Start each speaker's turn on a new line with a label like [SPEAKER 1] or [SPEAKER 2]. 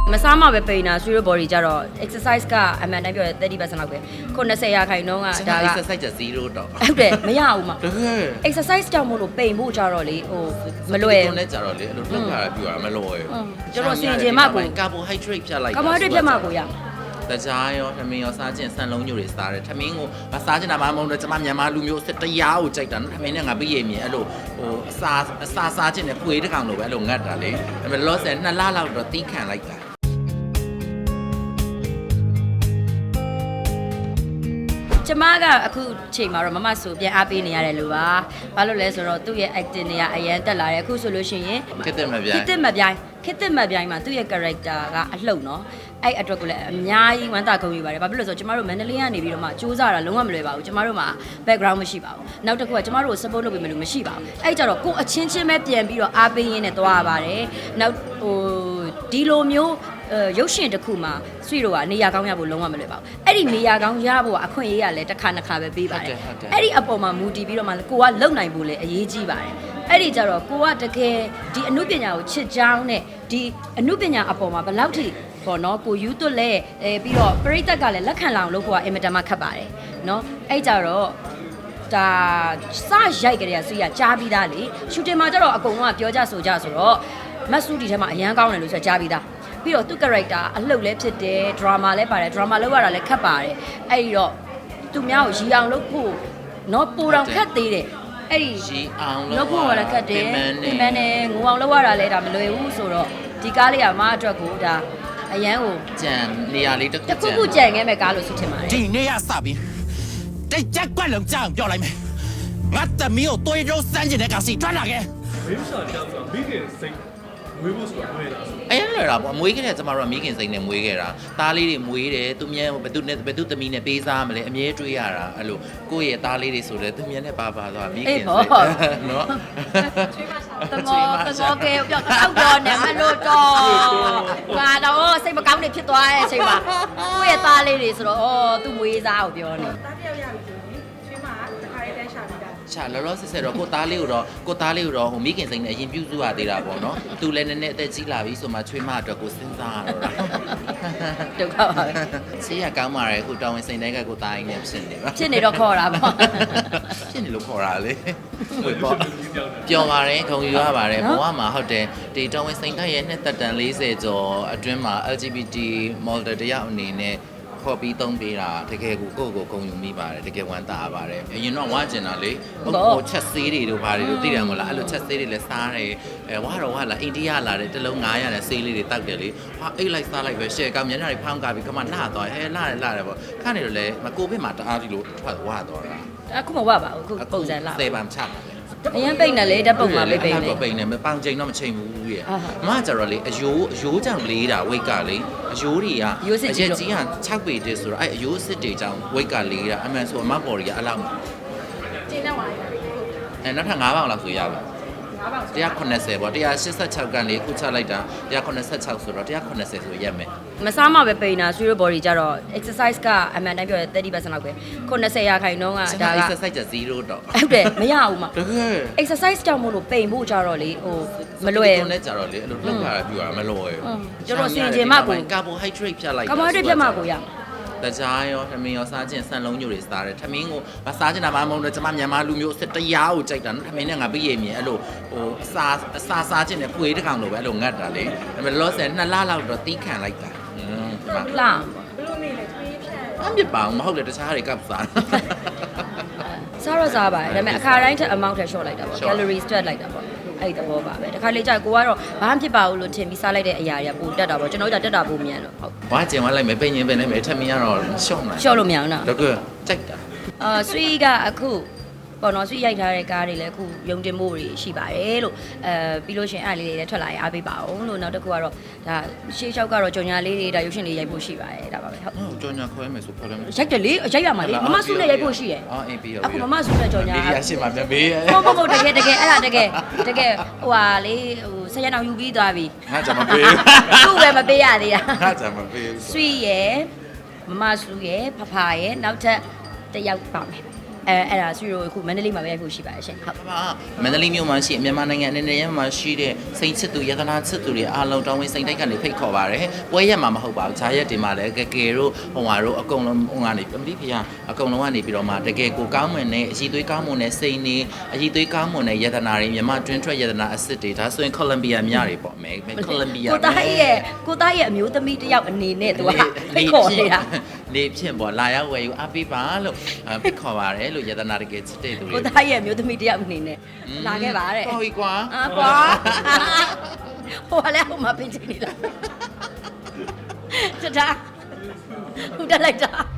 [SPEAKER 1] မစားမှပဲပိန်တာဆွေးရ body ကြတော့ exercise ကအမှန်တမ်းပြောရင် 30% လောက်ပဲခု90ရာခိုင်နှုန်းကဒါက
[SPEAKER 2] exercise จะ0တော့
[SPEAKER 1] ဟုတ်တယ်မရဘူးမှာ
[SPEAKER 2] တကယ်
[SPEAKER 1] exercise တောင်မို့လို့ပိန်ဖို့ကြတော့လေဟိုမလွယ်
[SPEAKER 2] ဘူးနဲ့ကြတော့လေအဲ့လိုလှုပ်လာတာပြရမလွယ်ဘူး
[SPEAKER 1] ကျွန်တော်စင်ကျင်မှကို
[SPEAKER 2] carbohydrate ဖြတ်လိုက်
[SPEAKER 1] carbohydrate ဖြတ်မှကိုရ
[SPEAKER 2] တကြားရောထမင်းရောစားခြင်းဆန်လုံးညို့တွေစားတယ်ထမင်းကိုမစားခြင်းတာမှမဟုတ်တော့ကျမမြန်မာလူမျိုးစစ်တရားကိုကြိုက်တာနော်ထမင်းနဲ့ငါပြည့်ရမြင်အဲ့လိုဟိုအစာစားခြင်းနဲ့ခွေးတစ်ကောင်လိုပဲအဲ့လိုငတ်တာလေဒါပေမဲ့လောဆယ်2လလောက်တော့တီးခံလိုက်တာ
[SPEAKER 1] ကျမကအခုချိန်မှာတော့မမဆိုပြန်အားပေးနေရတယ်လို့ပါဘာလို့လဲဆိုတော့သူ့ရဲ့ acting တွေကအရန်တက်လာတယ်အခုဆိုလို့ရှိရင်
[SPEAKER 2] ခက်တယ်မပြိုင်
[SPEAKER 1] ခက်တဲ့မပြိုင်မှာသူ့ရဲ့ character ကအလှုပ်နော်အဲ့အတွက်ကိုလည်းအများကြီးဝမ်းသာဂုဏ်ယူပါတယ်ဘာဖြစ်လို့လဲဆိုတော့ကျမတို့မန္တလေးကနေပြီးတော့မှစူးစမ်းတာလုံးဝမလွယ်ပါဘူးကျမတို့မှာ background မရှိပါဘူးနောက်တစ်ခုကကျမတို့ကို support လုပ်ပေးမယ်လို့မရှိပါဘူးအဲ့ကြတော့ကိုအချင်းချင်းပဲပြန်ပြီးတော့အားပေးရင်းနဲ့သွားရပါတယ်နောက်ဟိုဒီလိုမျိုးရုပ်ရှင်တစ်ခုမှာဆွေတို့ကနေရာကောင်းရဖို့လုံးဝမလွယ်ပါဘူးအဲ့ဒီနေရာကောင်းရဖို့အခွင့်အရေးရလဲတစ်ခါနှစ်ခါပဲပေးပါတယ်အဲ့ဒီအပေါ်မှာမူတည်ပြီးတော့မှကိုကလုံနိုင်ဖို့လဲအရေးကြီးပါတယ်အဲ့ဒီကြတော့ကိုကတကယ်ဒီအမှုပညာကိုချစ်ကြောင်းနဲ့ဒီအမှုပညာအပေါ်မှာဘယ်လောက်ထိပေါ့နော်ကိုယူသွတ်လဲပြီးတော့ပရိသတ်ကလည်းလက်ခံလောင်လို့ကိုကအင်မတန်မှခက်ပါတယ်နော်အဲ့ကြတော့ဒါစရိုက်ကြတဲ့ဆွေကကြားပြီးသားလေရှူတင်မှာကျတော့အကုန်လုံးကပြောကြဆိုကြဆိုတော့မတ်ဆူဒီထဲမှာအရန်ကောင်းတယ်လို့ဆိုကြားပြီးသားပြီးတော့သူ့ character အလှုပ်လည်းဖြစ်တယ် drama လည်းပါတယ် drama လောက်ရတာလည်းခက်ပါတယ်အဲ့ဒီတော့သူများကိုရီအောင်လုပ်ဖို့နော်ပူတော်ခက်သေးတယ်အဲ့ဒီ
[SPEAKER 2] ရီအောင်
[SPEAKER 1] လုပ်ဖို့လည်းခက်တယ်ပြင်ပန်းနဲ့ငိုအောင်လုပ်ရတာလည်းဒါမလွယ်ဘူးဆိုတော့ဒီကားလေးကမအတွက်ကိုဒါအရန်ကို
[SPEAKER 2] ကြံနေရာလေးတစ်
[SPEAKER 1] ခုကြံခဲ့မဲ့ကားလို့ဆိုချင်ပါတယ်
[SPEAKER 3] ဒီနေ့ရစပြီတိတ်ကြက်ကွက်လုံးကြောင်ပြောလိုက်မယ်ငါသမီးကိုတွေးရိုးစမ်းကျင်တဲ့ကောင်စီထွက်လာခဲ့
[SPEAKER 4] 没啥这样子，没给谁，没不说对的。
[SPEAKER 2] အဲ့လွယ်တာပေါ့အမွေးခဲ့တဲ့ကျမတို့ကမိခင်စိတ်နဲ့မွေးခဲ့တာသားလေးတွေမွေးတယ်သူမြန်ဘသူသမီးနဲ့ပေးစားမလဲအမြဲတွေးရတာအဲ့လိုကိုယ့်ရဲ့သားလေးတွေဆိုလဲသူမြန်နဲ့ပါသွားမိခင်စိတ်နော်
[SPEAKER 1] တမောကဲပြောတော့တော့နေမလို့တော့ငါတော့စိတ်မကောင်းနေဖြစ်သွားတဲ့အချိန်မှာကိုယ့်ရဲ့သားလေးတွေဆိုတော့အော်သူ့မွေးစားကိုပြောနေ
[SPEAKER 5] တားတယောက်ရပြီဆိုရင်ချွေးမကတခါလေးတန်းရှာပြီးတာ
[SPEAKER 2] ချာလောလောဆယ်ဆယ်တော့ကိုသားလေးကိုတော့ဟိုမိခင်စိတ်နဲ့အရင်ပြုစုရသေးတာပေါ့နော်သူလည်းနည်းနည်းအသက်ကြီးလာပြီဆိုမှချွေးမအတွက်ကိုစဉ်းစားရတော့တာ
[SPEAKER 1] ဒုက္ခပါပဲ
[SPEAKER 2] ဆေးရကောင်းပါတယ်အခုတောင်းဝင်စိတ်တိုင်းကကိုသားရင်းနဲ့ဖြစ်နေပါ
[SPEAKER 1] ဖြစ်နေတော့ခေါ်တာပေါ့
[SPEAKER 2] ဖြစ်နေလို့ခေါ်တာလေပျော်ပါတယ်ခုံယူရပါတယ်ဘဝမှာဟုတ်တယ်ဒီတောင်းဝင်စိတ်တိုင်းရဲ့နှစ်သက်တန်40ကျော်အတွင်းမှာ LGBT model တယောက်အနေနဲ့ခေါ်ပြီးသုံးပေးတာတကယ်ကိုကိုယ်ဂုဏ်ယူမိပါတယ်တကယ်ဝမ်းသာပါတယ်အရင်တော့ဝါကျင်တာလေဟိုချက်ဆေးတွေတို့ဘာတွေတို့သိတယ်မလားအဲ့လိုချက်ဆေးတွေလည်းစားတယ်ဝါတော့လာအိန္ဒိယလာတယ်တစ်လုံး900နဲ့ဆေးလေးတွေတောက်တယ်လေဟာအိတ်လိုက်စားလိုက်ပဲရှယ်ကောင်မျက်နှာတွေဖောင်းကားပြီးခမလှသွားဟဲလှတယ်ပေါ့ခါနေတော့လေမကိုဗစ်မှာတအားကြီးလို့ထွက်ဝါသွားတာ
[SPEAKER 1] အခုမဝပါဘူးအခုပုံစံလာ
[SPEAKER 2] စေပံချပါ
[SPEAKER 1] အရင်ပိတ်နေလေဓာတ်ပုံမှာပိတ်နေ
[SPEAKER 2] ပိတ်နေမပောင်ချိန်တော့မချိန်ဘူးရဲ့မကကြတော့လေအယိုးကြောင့်လေးတာဝိတ်ကလေအယိုးတွေကအရက်ကြီးက6ပေတည်းဆိုတော့အဲ့အယိုးစစ်တွေကြောင့်ဝိတ်ကလေးတာအမှန်ဆိုအမပေါ်တွေကအလောက်
[SPEAKER 5] ကျင်းနေပါလေ
[SPEAKER 2] နောက်ထပ်9ပေါင်လောက်ဆိုရပါ180ပေါ့186ကန်လေးခုချလိုက်တာ186ဆိုတော့180ဆိုရက်မယ်
[SPEAKER 1] မစားမှပဲပိန်တာဆွေးရ body ကြတော့ exercise ကအမှန်တမ်းပြောရင်30%လောက်ပဲ90ရာခိုင်နှုန်းက
[SPEAKER 2] ဒါက exercise จะ0တော့
[SPEAKER 1] ဟုတ်တယ်မရဘူးမှာ
[SPEAKER 2] တကယ်
[SPEAKER 1] exercise တောင်မို့လို့ပိန်ဖို့ကြတော့လေဟိုမလွယ်
[SPEAKER 2] ဘူးနဲ့ကြတော့လေအဲ့လိုလှုပ်လာတာပြရမလွယ်ဘူး
[SPEAKER 1] ကျွန်တော်စင်ကျင်မှကို
[SPEAKER 2] carbohydrate ဖြတ်လိုက်
[SPEAKER 1] carbohydrate ဖြတ်မှကိုရ
[SPEAKER 2] တကြားရောထမင်းရောစားခြင်းဆန်လုံးညို့တွေစားတယ်ထမင်းကိုမစားခြင်းတာမှမဟုတ်တော့ကျမမြန်မာလူမျိုးစစ်တရားကိုကြိုက်တာနော်ထမင်းနဲ့ငါပြည့်ရမြင်အဲ့လိုဟိုစားခြင်းနဲ့ခွေးတစ်ကောင်လိုပဲအဲ့လိုငတ်တာလေဒါပေမဲ့လောဆယ်2လလောက်တော့တီးခံလိုက်တာ
[SPEAKER 1] လှ
[SPEAKER 5] ဘလို့နေလဲတွေးဖြတ်
[SPEAKER 2] အမြစ်ပါမဟုတ်လေတခြားတွေကပ်စား
[SPEAKER 1] စားတော့စားပါတယ်ဒါပေမဲ့အခါတိုင်းထက် amount ထက် short လိုက်တာပေါ့ calories တွက်လိုက်တာပေါ့အဲ့ဒီသဘောပါပဲတခါလေကြာကိုကတော့ဘာမှဖြစ်ပါဘူးလို့ထင်ပြီးစားလိုက်တဲ့အရာတွေကပိုတက်တာပေါ့ကျွန်တော်တို့တက်တာပိုမြန်လို့ဟုတ်
[SPEAKER 2] ဘာကျင်သွားလိုက်မယ်ပိန်ရင်ပင်နေမယ်ထမင်းကတော့ရှော့နိုင်
[SPEAKER 1] ရှော့လို့မရဘူးနော်
[SPEAKER 2] တကယ်ကြိုက်တာ
[SPEAKER 1] ဆွေကအခုပေါ်တော့ဆွေရိုက်ထားတဲ့ကားတွေလည်းအခုယုံတင်မှုတွေရှိပါတယ်လို့ပြီးလို့ရှင်အဲ့လေးတွေလည်းထွက်လာရင်အားပေးပါအောင်လို့နောက်တစ်ခုကတော့ဒါရှေးလျှောက်ကတော့ကြော်ညာလေးတွေဒါရုပ်ရှင်လေးရိုက်ဖို့ရှိပါတယ်ဒါပါပဲ
[SPEAKER 2] ဟုတ်ကြော်ညာခွဲမယ်ဆိုခေါ်တယ်
[SPEAKER 1] ရိုက်တယ်လေရိုက်ရမှာလေမမဆုနဲ့ရိုက်ဖို့ရှိတယ်
[SPEAKER 2] အေးပြီးရော
[SPEAKER 1] အခုမမဆုနဲ့ကြော်ညာ
[SPEAKER 2] လေးရရှိမှာမြန်မေး
[SPEAKER 1] ဟုတ်တကယ်အဲ့ဒါတကယ်ဟိုဟာလေဟိုဆက်ရအောင်ယူပြီးသွားပြီ
[SPEAKER 2] ငါကြမပေး
[SPEAKER 1] သူ့ပဲမပေးရသေးတာ
[SPEAKER 2] ငါကြမပေး
[SPEAKER 1] ဆွေရယ်မမဆုရယ်ဖဖရယ်နောက်ထပ်တစ်ယောက်ပါမယ်အဲ့ဒါဆွေတို့အခုမန္တလေးမှာပဲရိုက်ဖို့ရှိပါတယ်ရှင်ဟုတ်
[SPEAKER 2] မန္တလေးမြို့မှာရှိမြန်မာနိုင်ငံအနေနဲ့မှာရှိတဲ့စိတ်ချစ်သူယတနာချစ်သူတွေအားလုံးတောင်းဝင်စိတ်တိုက်ကနေဖိတ်ခေါ်ပါတယ်ပွဲရက်မှာမဟုတ်ပါဘူးဂျာရက်တွေမှာလည်းကဲတို့ဟိုဟာတို့အကုန်လုံးဟိုကနေပမိဖျားအကုန်လုံးကနေပြီးတော့မှတကယ်ကိုကောင်းမွန်တဲ့အည်သွေးကောင်းမွန်တဲ့စိတ်နေအည်သွေးကောင်းမွန်တဲ့ယတနာတွေမြန်မာတွင်းထွက်ယတနာအစ်စ်တွေဒါဆိုရင်ကိုလံဘီယာမြတွေပေါ့မယ်ကိုလံဘီယာ
[SPEAKER 1] ကိုသားရဲ့အမျိုးသမီးတစ်ယောက်အနေနဲ့သူကဖိတ်ခေါ်နေတာ
[SPEAKER 2] နေဖြင့်ပေါ့လာရောက်ဝယ်ယူအပေးပါလို့ဖိတ်ခေါ်ပါတယ်လို့ယတနာတကယ်ချစ်တဲ့သူတွေ
[SPEAKER 1] ကိုသားရဲ့အမျိုးသမီးတစ်ယောက်အနေနဲ့လာခဲ့ပါတဲ့
[SPEAKER 2] ဟောကြီးကွာ
[SPEAKER 1] ကွာဟိုလည်းဟိုမှာပြင်ချင်နေလားတတာဟုတ်တယ်လိုက်တာ